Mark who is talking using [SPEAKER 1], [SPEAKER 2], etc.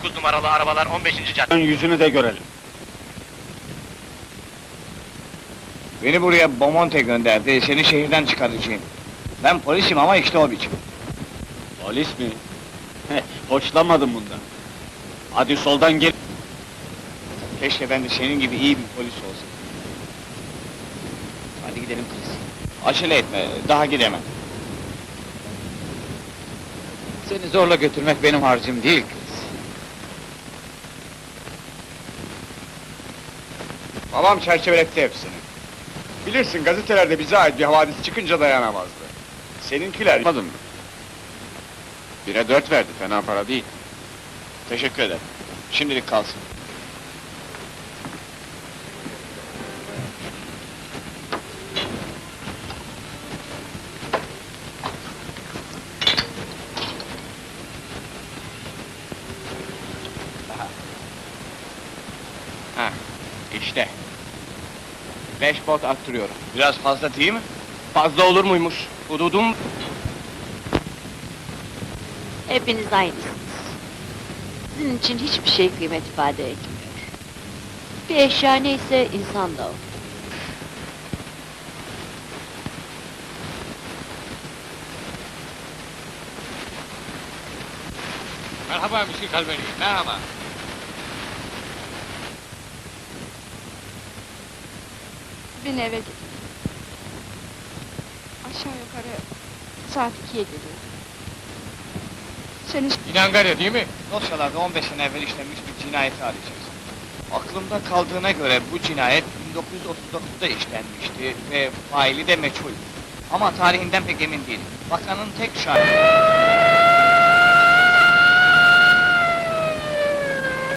[SPEAKER 1] 9 numaralı arabalar 15. cadde.
[SPEAKER 2] Ön yüzünü de görelim.
[SPEAKER 3] Beni buraya Bomonte gönderdi, seni şehirden çıkaracağım. Ben polisim ama işte o biçim.
[SPEAKER 2] Polis mi? Hoşlanmadım bundan. Hadi soldan gel.
[SPEAKER 3] Keşke ben de senin gibi iyi bir polis olsam. Hadi gidelim kız. Acele etme, daha gidemem.
[SPEAKER 4] Seni zorla götürmek benim harcım değil kız.
[SPEAKER 5] Babam çerçeveletti hepsini. Bilirsin gazetelerde bize ait bir havadis çıkınca dayanamazdı. Seninkiler...
[SPEAKER 4] Anladın mı? 1'e 4 verdi, fena para değil.
[SPEAKER 3] Teşekkür ederim. Şimdilik kalsın.
[SPEAKER 4] Ha, işte. 5 pot attırıyorum.
[SPEAKER 3] Biraz fazla değil mi?
[SPEAKER 1] Fazla olur muymuş? Hududum...
[SPEAKER 6] Hepiniz aynısınız. Sizin için hiçbir şey kıymet ifade etmiyor. Bir eşya neyse insan da o.
[SPEAKER 4] Merhaba Müşir Kalbeni, merhaba.
[SPEAKER 7] Beni eve git. Aşağı yukarı saat 2'ye geliyor. Seni
[SPEAKER 4] İnangarya değil mi?
[SPEAKER 3] Dosyalarda 15 sene evvel işlenmiş bir cinayeti arayacağız. Aklımda kaldığına göre bu cinayet 1939'da işlenmişti ve faili de meçhul. Ama tarihinden pek emin değilim. Bakanın tek şahidi...